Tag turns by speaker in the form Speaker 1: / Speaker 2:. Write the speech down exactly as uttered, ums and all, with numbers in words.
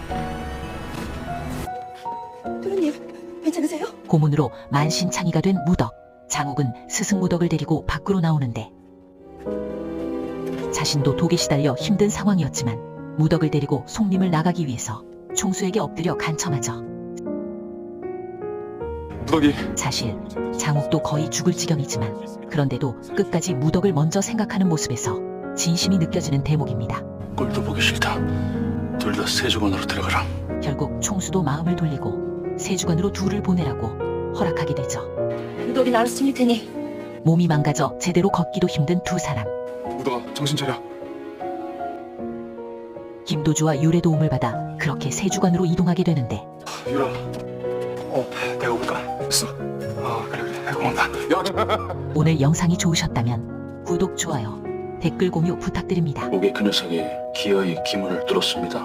Speaker 1: 도련님, 괜찮으세요?
Speaker 2: 고문으로 만신창이가 된 무덕. 장욱은 스승 무덕을 데리고 밖으로 나오는데 자신도 독에 시달려 힘든 상황이었지만 무덕을 데리고 송림을 나가기 위해서 총수에게 엎드려 간청하죠.
Speaker 3: 무덕이
Speaker 2: 사실 장욱도 거의 죽을 지경이지만 그런데도 끝까지 무덕을 먼저 생각하는 모습에서 진심이 느껴지는 대목입니다.
Speaker 3: 꼴도 보기 싫다. 둘 다 세조관으로 들어가라.
Speaker 2: 결국 총수도 마음을 돌리고 세주관으로 둘을 보내라고 허락하게 되죠.
Speaker 1: 무덕이 나를 숨길 테니
Speaker 2: 몸이 망가져 제대로 걷기도 힘든 두 사람.
Speaker 3: 무덕아, 정신 차려.
Speaker 2: 김도주와 율의 도움을 받아 그렇게 세주관으로 이동하게 되는데
Speaker 3: 유라. 어, 내가 올까? 있어. 아, 그래 그래. 내가 온다. 야,
Speaker 2: 오늘 영상이 좋으셨다면 구독, 좋아요, 댓글 공유 부탁드립니다.
Speaker 3: 목에 그 녀석이 기어이 기문을 뚫었습니다.